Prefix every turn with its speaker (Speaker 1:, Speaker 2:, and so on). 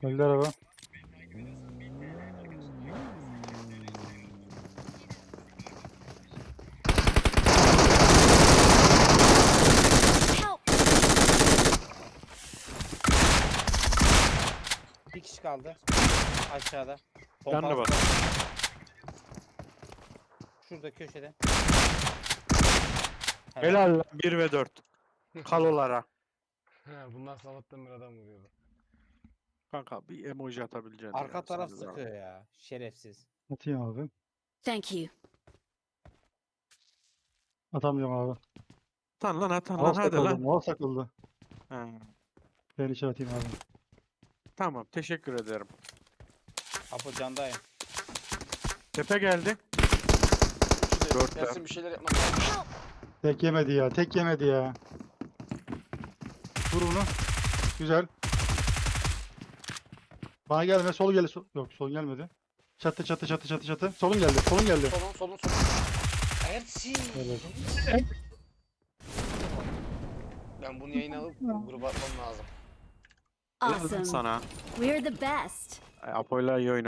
Speaker 1: Öldü araba.
Speaker 2: Help!
Speaker 3: Bir kişi kaldı. Aşağıda.
Speaker 4: Yanına
Speaker 3: Pompalı.
Speaker 4: bak.
Speaker 3: Şurada köşede.
Speaker 4: Helal lan 1 ve 4. Kalolara.
Speaker 5: Bundan sabahtan bir adam vuruyordu.
Speaker 4: Kanka bir emoji atabileceksin
Speaker 3: Arka
Speaker 4: ya.
Speaker 3: taraf
Speaker 4: Sen de
Speaker 3: sıkıyor ya. Şerefsiz.
Speaker 1: Atayım abi.
Speaker 2: Thank you.
Speaker 1: Atamıyorum abi.
Speaker 4: Atan lan atan lan
Speaker 1: Mouse
Speaker 4: hadi
Speaker 1: takıldı.
Speaker 4: lan.
Speaker 1: Mouse takıldı.
Speaker 4: Ha,
Speaker 1: Ben içeri atayım abi.
Speaker 4: tamam teşekkür ederim.
Speaker 3: Apo candayım.
Speaker 4: Tepe geldi.
Speaker 5: Üçü de
Speaker 4: Dörtler.
Speaker 5: Yasin bir şeyler yapmak lazım.
Speaker 2: Help!
Speaker 1: Tek yemedi ya. Tek yemedi ya. Vur bunu. Güzel. Bana gelme. Sol geldi. Yok sol gelmedi. Çatı çatı çatı çatı çatı. Solun geldi. Solun geldi.
Speaker 5: Solun. Ersin.
Speaker 1: Evet.
Speaker 5: Ben bunu yayına alıp gruba atmam lazım.
Speaker 4: Helal lan
Speaker 2: Awesome.
Speaker 4: sana.
Speaker 2: We're the best.
Speaker 4: Apo'yla iyi oyna.